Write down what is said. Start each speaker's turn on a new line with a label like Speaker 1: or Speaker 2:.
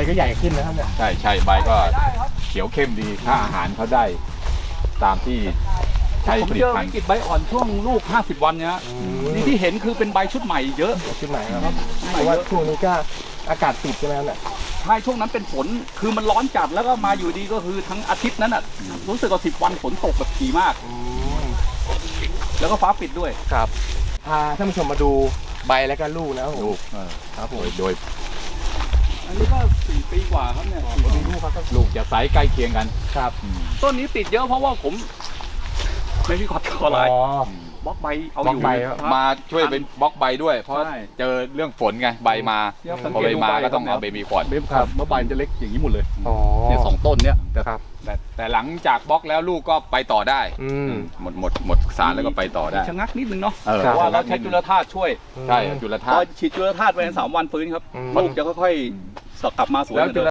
Speaker 1: ก็ใหญ่ขึ้นนะครับเนี่ย
Speaker 2: ใช่ใบก็เขียวเข้มดีถ้าอาหารเขาได้ตามที่ใช้
Speaker 3: ผม
Speaker 2: ผลิ
Speaker 3: เจ
Speaker 2: ต
Speaker 3: อ
Speaker 2: ภัณ
Speaker 3: วิ
Speaker 2: ฑ์
Speaker 3: กฤตใบอ่อนช่วงลูก50 วันเนี่ยฮะนี่ที่เห็นคือเป็นใบชุดใหม่เยอะ
Speaker 1: ชุดไหนครับเพราะว่าช่วงนี้ก็อากาศปิดใช่ไหมครับเนี่ย
Speaker 3: ใช่ช่วงนั้นเป็นฝนคือมันร้อนจัดแล้วก็มาอยู่ดีก็คือทั้งอาทิตย์นั้นอ่ะรู้สึกว่า10 วันฝนตกแบบถี่มาก แล้วก็ฟ้าปิดด้วย
Speaker 1: ครับพาท่านผู้ชมมาดูใบแล้วก็ลูกนะครับผม
Speaker 2: ลูก
Speaker 1: ครับผม
Speaker 2: โดย
Speaker 3: อันนี้ก็4 ปีกว่าครับเนี่ย
Speaker 1: มีลูกครับ
Speaker 2: ลูกจะไซส์ใกล้เคียงกัน
Speaker 1: ครับ
Speaker 3: ต้นนี้ติดเยอะเพราะว่าผมไม่พี่ขออะไร
Speaker 1: อ๋อบ
Speaker 3: ล็อกใบเอา
Speaker 1: บล็
Speaker 3: อ
Speaker 1: อก
Speaker 3: ยู่
Speaker 1: ใบครับ
Speaker 2: มาช่วยเป็นบล็อกใบด้วย เพราะ
Speaker 3: ใช่
Speaker 2: เจอเรื่องฝนไงใบมา
Speaker 3: เดี๋ยวสัง
Speaker 2: พอ
Speaker 3: เก
Speaker 2: ใบ
Speaker 3: ตดู
Speaker 2: มา
Speaker 3: ใบ
Speaker 2: ก็ต้อง
Speaker 3: ครับ
Speaker 2: เอาเบบีก่อน
Speaker 3: เบฟครับเมื่อใบมันจะเล็กอย่างนี้หมดเลย
Speaker 1: อ๋อ
Speaker 3: เนี่ย2 ต้นเนี่ย
Speaker 1: ครับ
Speaker 2: แต่หลังจากบล็อกแล้วลูกก็ไปต่อได้ หมดสารแล้วก็ไปต่อได้
Speaker 3: ชะงักนิดนึงเนาะ
Speaker 2: เออ
Speaker 3: เพราะว่าเราใช้จุลธาตุช่วย
Speaker 2: ใช่จุลธา
Speaker 3: พอ
Speaker 2: ตุ
Speaker 3: ฉีดจุลธาตุไปใน3 วันฟื้นครับ
Speaker 1: อืม
Speaker 3: ลูกจะค่อยๆกลับมาสวย
Speaker 2: แล้ว
Speaker 3: เหมือนเดิม